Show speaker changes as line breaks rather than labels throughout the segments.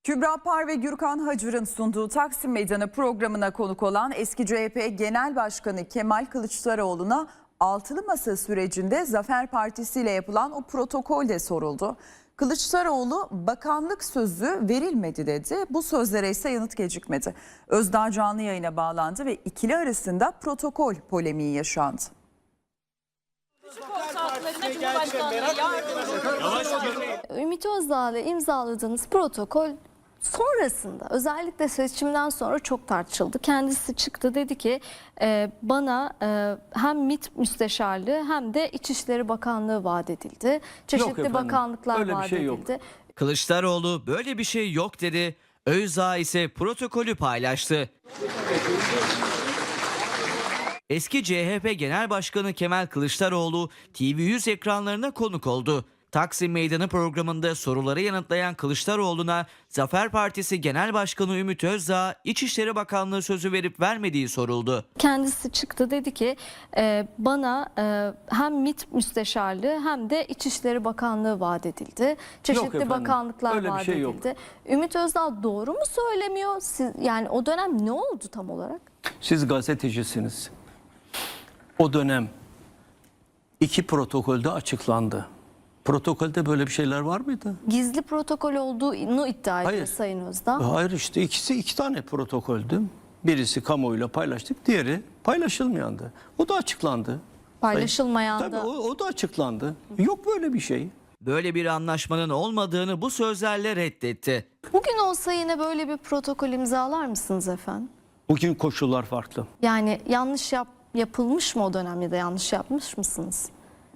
Kübra Par ve Gürkan Hacır'ın sunduğu Taksim Meydanı programına konuk olan eski CHP Genel Başkanı Kemal Kılıçdaroğlu'na altılı masa sürecinde Zafer Partisi ile yapılan o protokolde soruldu. Kılıçdaroğlu bakanlık sözü verilmedi dedi. Bu sözlere ise yanıt gecikmedi. Özdağ canlı yayına bağlandı ve ikili arasında protokol polemiği yaşandı.
Ümit Özdağ'la imzaladığınız protokol sonrasında, özellikle seçimden sonra çok tartışıldı. Kendisi çıktı, dedi ki bana hem MİT müsteşarlığı hem de İçişleri Bakanlığı vaat edildi. Çeşitli bakanlıklar vaat edildi.
Kılıçdaroğlu böyle bir şey yok dedi. Özdağ ise protokolü paylaştı. Eski CHP Genel Başkanı Kemal Kılıçdaroğlu TV100 ekranlarına konuk oldu. Taksim Meydanı programında soruları yanıtlayan Kılıçdaroğlu'na Zafer Partisi Genel Başkanı Ümit Özdağ İçişleri Bakanlığı sözü verip vermediği soruldu.
Kendisi çıktı, dedi ki bana hem MİT müsteşarlığı hem de İçişleri Bakanlığı vaat edildi. Çeşitli bakanlıklar vaat edildi. Ümit Özdağ doğru mu söylemiyor? Yani o dönem ne oldu tam olarak?
Siz gazetecisiniz. O dönem iki protokolde açıklandı. Protokolde böyle bir şeyler var mıydı?
Gizli protokol olduğunu iddia ediyor Sayın Özdağ.
Hayır, işte iki tane protokoldü. Birisi kamuoyuyla paylaştık, diğeri paylaşılmayandı. O da açıklandı.
Paylaşılmayan
Tabii
da.
o da açıklandı. Yok böyle bir şey.
Böyle bir anlaşmanın olmadığını bu sözlerle reddetti.
Bugün olsa yine böyle bir protokol imzalar mısınız efendim?
Bugün koşullar farklı.
Yani yanlış yapılmış mı o dönemde, de yanlış yapmış mısınız?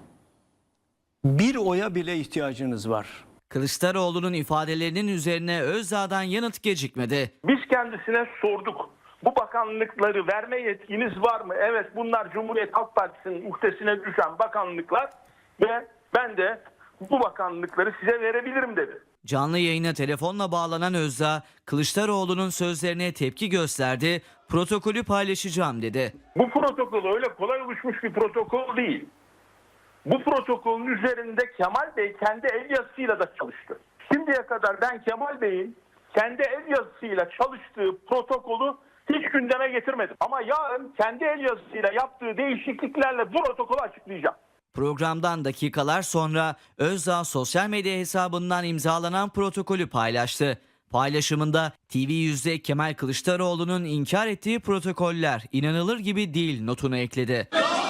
Bir oya bile ihtiyacınız var.
Kılıçdaroğlu'nun ifadelerinin üzerine Özdağ'dan yanıt gecikmedi.
Biz kendisine sorduk. Bu bakanlıkları verme yetkiniz var mı? Evet, bunlar Cumhuriyet Halk Partisi'nin uhdesine düşen bakanlıklar ve ben de bu bakanlıkları size verebilirim dedi.
Canlı yayına telefonla bağlanan Özdağ, Kılıçdaroğlu'nun sözlerine tepki gösterdi, protokolü paylaşacağım dedi.
Bu protokol öyle kolay oluşmuş bir protokol değil. Bu protokolün üzerinde Kemal Bey kendi el yazısıyla da çalıştı. Şimdiye kadar ben Kemal Bey'in kendi el yazısıyla çalıştığı protokolü hiç gündeme getirmedim. Ama yarın kendi el yazısıyla yaptığı değişikliklerle bu protokolü açıklayacağım.
Programdan dakikalar sonra Özdağ sosyal medya hesabından imzalanan protokolü paylaştı. Paylaşımında TV100'de Kemal Kılıçdaroğlu'nun inkar ettiği protokoller inanılır gibi değil notunu ekledi.